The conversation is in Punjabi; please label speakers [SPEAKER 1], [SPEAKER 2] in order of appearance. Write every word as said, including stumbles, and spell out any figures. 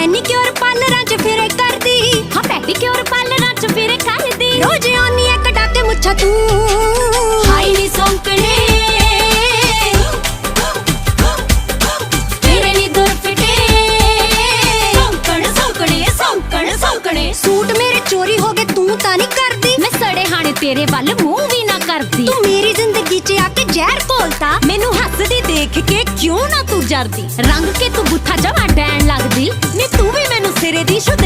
[SPEAKER 1] ਮੈਨੀਕਿਉਰ ਪਾਰਲਰਾਂ 'ਚ ਫਿਰੇ ਕਰਦੀ,
[SPEAKER 2] ਹਾਂ ਪੈਡੀਕਿਉਰ ਪਾਰਲਰਾਂ 'ਚ ਫਿਰੇ ਕਰਦੀ।
[SPEAKER 1] ਰੋਜ਼ ਆਉਣੀ ਐ ਕਢਾ ਕੇ ਮੁੱਛਾਂ ਤੂੰ,
[SPEAKER 2] ਹਾਈ ਨੀ ਸੌਂਕਣੇ ਤੇਰੇ ਨੀ ਦੁਰ ਫਿਟੇ। ਸੌਂਕਣ ਸੌਂਕਣੇ ਸੌਂਕਣ ਸੌਂਕਣੇ
[SPEAKER 1] ਸੂਟ ਮੇਰੇ ਚੋਰੀ ਹੋ ਗਏ ਤੂੰ ਤਾਂ ਨਹੀਂ ਕਰਦੀ,
[SPEAKER 2] ਮੈਂ ਸੜੇ ਹਾਣੇ ਤੇਰੇ ਵੱਲ ਮੂੰਹ ਵੀ ਨਾ ਕਰਦੀ।
[SPEAKER 1] ਤੂੰ ਮੇਰੀ ਜ਼ਿੰਦਗੀ 'ਚ ਆ ਕੇ ਜ਼ਹਿਰ ਘੋਲਤਾ,
[SPEAKER 2] ਮੈਨੂੰ ਹੱਸਦੀ ਦੇਖ ਕੇ ਕਿਉਂ ਨਾ ਤੂੰ ਜਰਦੀ। ਰੰਗ ਕੇ ਤੂੰ ਬੁੱਥਾ ਜਮਾ ਡੈਣ ਲੱਗਦੀ ਨੀ, ਤੂੰ ਵੀ ਮੈਨੂੰ ਸਿਰੇ ਦੀ ਸ਼ੁੱਧ